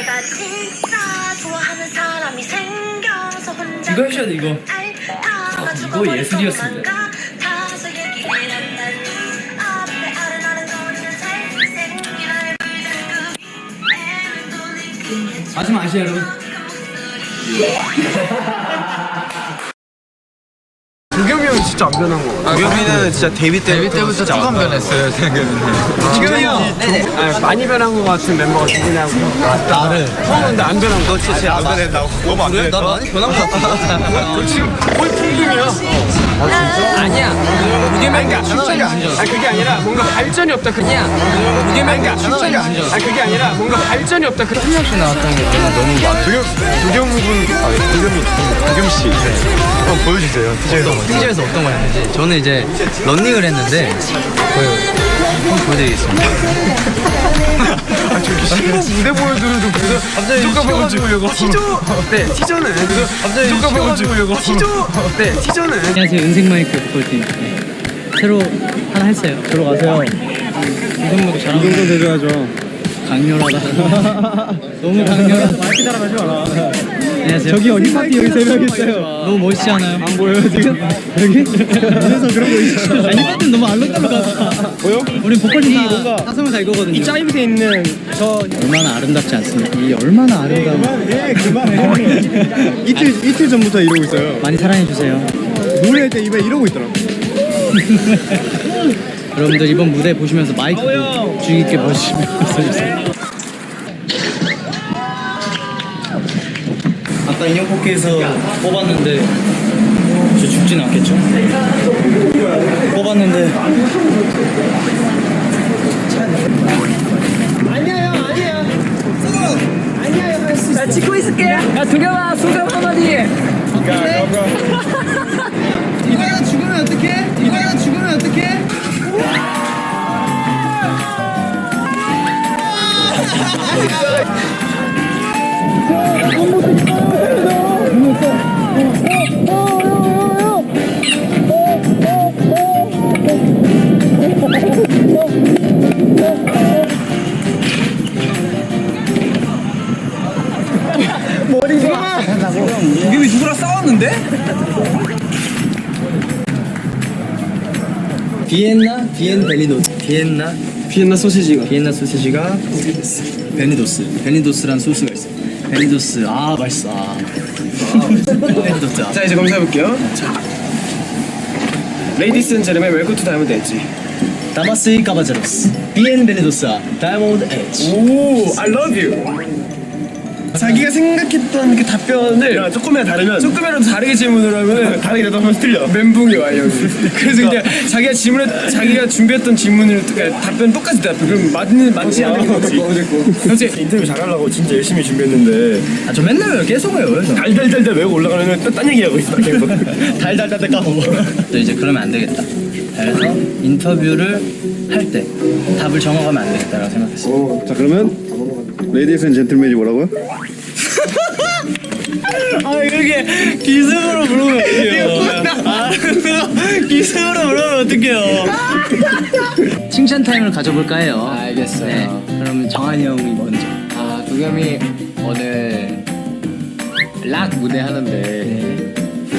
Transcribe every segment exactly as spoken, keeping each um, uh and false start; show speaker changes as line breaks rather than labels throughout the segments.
내가 진짜 좋아하는 사람이 생겨서 혼자
이거 하셔야 돼 이거. 아, 이거 예술이었습니다. 하지 마시죠 여러분.
도겸이 형 진짜 안 변한 거 같아. 도겸이는 진짜 데뷔 때부터,
데뷔 때부터 조금 변했어요 생각해보면.
도겸이 형 아니, 많이 변한 거 같은 멤버가 누구냐고.
나를
형은 근데 안 변한 거. 너 진짜 안 변했다고? 너무 안 변했다.
나 많이 변한 거 같아.
너 지금 거의 풍등이야. 아 진짜?
아니야.
그러니까 출전이 아니잖아. 아니 그게 아니라 뭔가 발전이 없다. 그냥 그러니까 출전이 아니잖아. 아니 그게 아니라 뭔가 발전이 없다. 그 한 명씩 나왔다는 게 너무 많아. 도겸 도겸군 아 도겸이 도겸 씨. 한번 보여주세요. 티저에서
티저에서 어떤 걸 했는지. 저는 이제 런닝을 했는데 그 한번 보여드리겠습니다.
아 저기 신곡 무대 보여드려도 그래서 갑자기 쫓아보려고 티저 네 티저는 그래서 갑자기 쫓아보려고 티저 네 티저는
안녕하세요 은색 마이크 보컬팀. 네. 새로 하나 했어요. 들어가세요. 이동도 잘하고. 이동도 대줘야죠. 강렬하다. 너무 강렬하다. 마이크 따라가지 마라. 안녕하세요. 저기요 힙합이 여기 세 명 있어요. 너무 멋있지 않아요? 안 보여요 지금? 여기? 그래서 그런 거 있어. 아니 힙합은 너무 알록달록하다. 보여? 우린 보컬팀 뭔가 사성을 다 이거거든요. 이 짜이브에 있는 저 얼마나 아름답지 않습니까? 이 얼마나 아름다운. 그만해 그만해. 이틀 이틀 전부터 이러고 있어요. 많이 사랑해 주세요. 노래할 때 입에 이러고 있더라고. 여러분들 이번 무대 보시면서 마이크 주의 깊게 보시면서 해주세요. 아까 인형 뽑기에서 뽑았는데 저 죽진 않겠죠? 뽑았는데 아니야 형 아니야 아니야 형 할 수 있어. 나 찍고 있을게. 야 두겸아 소감 한마디. 이거야 죽으면 어떡해? 이거야 죽으면 어떡해? 머리가 도겸이 누구랑 싸웠는데? 비엔나 비엔 베니도스 비엔나 비엔나 소시지가 비엔나 소시지가 베니도스 베니도스란 소스가 있어. 베니도스 아 맛있어. 아, 아 맛있어. 베니도스. 자 이제 검사해 볼게요. 레이디스 앤 제르멘 웰컴 투 다이아몬드 엣지. 다마스 까바제로스 비엔 베니도스 다이아몬드 엣지. 오 I love you. 자기가 생각했던 그 답변을 야, 조금이라도 다르면 조금이라도 다르게 질문을 하면 다르게 대답하면 틀려. 멘붕이 와요. 그래서 그냥 자기가 질문을 자기가 준비했던 질문을 그러니까 답변 똑같이 대답해. 그럼 맞는 맞지 않는 거지. 그렇지. 인터뷰 잘하려고 진짜 열심히 준비했는데 아 저 맨날 계속 해요. 달달달달 외우고 올라가면 또 딴 얘기하고 있어. 계속 달달달달 까먹어. 또 이제 그러면 안 되겠다. 그래서 인터뷰를 할 때 답을 정하면 안 되겠다라고 생각했어.
어, 자 그러면 레이디스 앤 젠틀맨이 뭐라고요?
아 이렇게 기승으로 부르면 어떡해요. 아 기승으로 부르면 어떡해요.
칭찬 타임을 가져볼까 해요.
알겠어요.
네. 그러면 정한이 형이 먼저.
아 도겸이 오늘 락 무대 하는데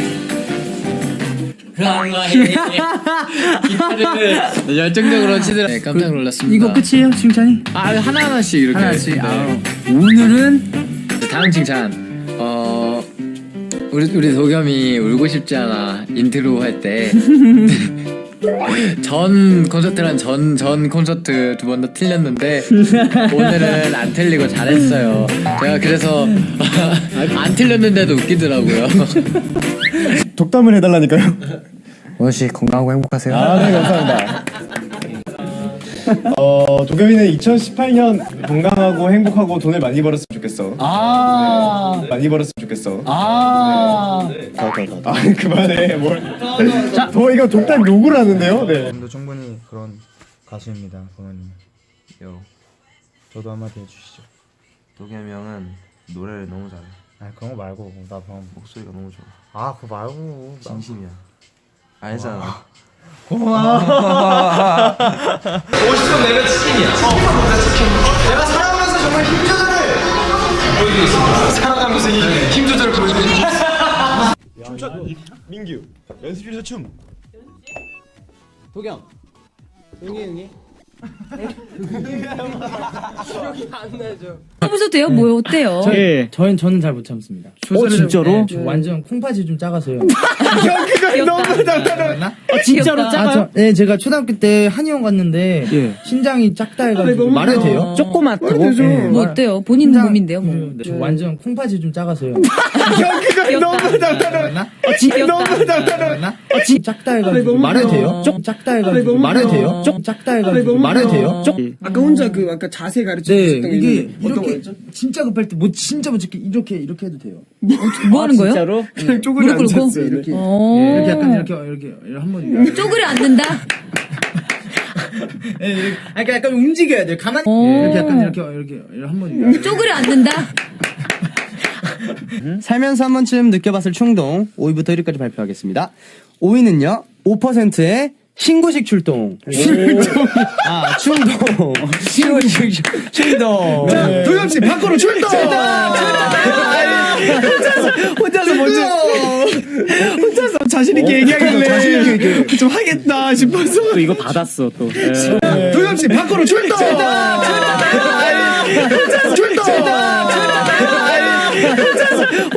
기타를 열정적으로 치더라. 네, 깜짝 놀랐습니다.
이거 끝이에요 칭찬이?
아 하나 하나씩 이렇게.
하나씩.
네.
아, 오늘은
다음 칭찬. 어 우리 우리 도겸이 울고 싶지 않아 인트로 할 때. 전 콘서트랑 전 전 콘서트 두 번 다 틀렸는데 오늘은 안 틀리고 잘했어요. 제가 그래서 안 틀렸는데도 웃기더라고요.
독담을 해달라니까요.
원우 씨 건강하고 행복하세요.
아, 네 감사합니다. 어 도겸이는 이천십팔 년 건강하고 행복하고 돈을 많이 벌었으면 좋겠어.
아,
네, 많이 벌었으면 좋겠어.
아,
아 그만해 뭘. 자, 더 이거 독담 욕을 하는데요. 네.
도 충분히 그런 가수입니다, 동현님.
요
저도 한마디 해주시죠.
도겸이 형은 노래를 너무 잘해.
아 그런 거 말고 나 방금
목소리가 너무 좋아.
아 그거 말고 나...
진심이야. 알잖아.
고마워.
오십 점 내면 치킨이야. 내가 살아오면서 정말 힘들어를 하면서 힘 조절을 보여드리는
민규 연습실에서 춤. 도겸. 응이 응이.
해보셔도 돼요? 뭐 어때요?
예. 저는 저는 잘 못 참습니다.
어 진짜로?
저 완전 콩팥이 좀 작아서요.
너무 달달하.
진짜로
아, 저, 네, 제가 초등학교 때 한의원 갔는데
예.
신장이 작다 해가지고 말해도 돼요?
조그맣다고?
네,
뭐
말-
어때요? 본인
신장-
몸인데요, 뭐.
네, 저 완전 콩팥이 좀 작아서요.
여기가 너무 달달하.
맞나?
너무 달달하.
맞나? 작다 해가지고 말해도 돼요? 쪽 작다 해가지고 말해도 돼요? 쪽 작다 해가지고 말해도 돼요? 쪽
아까 혼자 그 아까 자세 가르쳐
네,
주셨던 게
이게
있는데 어떤
이렇게
거였죠?
진짜 급할 때 뭐 진짜 못 찍게 이렇게 이렇게 해도 돼요.
뭐 하는 거예요?
그냥 쪼그려
무릎 꿇고?
앉았어요.
이렇게
어.
이렇게 약간 이렇게 이렇게 한번
쪼그려 앉는다?
예, 이렇게 약간 약간 움직여야 돼요. 가만히
어.
예, 이렇게 약간 이렇게 이렇게 한번
쪼그려 앉는다?
살면서 한 번쯤 느껴봤을 충동 오 위부터 일 위까지 발표하겠습니다. 오 위는요 오 퍼센트의 신고식 출동. 출동. 아 충동. 신고식 충동.
자, 도겸 씨 밖으로 출동. 혼자서 먼저 혼자서 자신 있게 얘기하길래 자신 있게 좀 하겠다 싶어서 또 이거 받았어 또. 도겸 씨 밖으로 출동. 출동. 출동.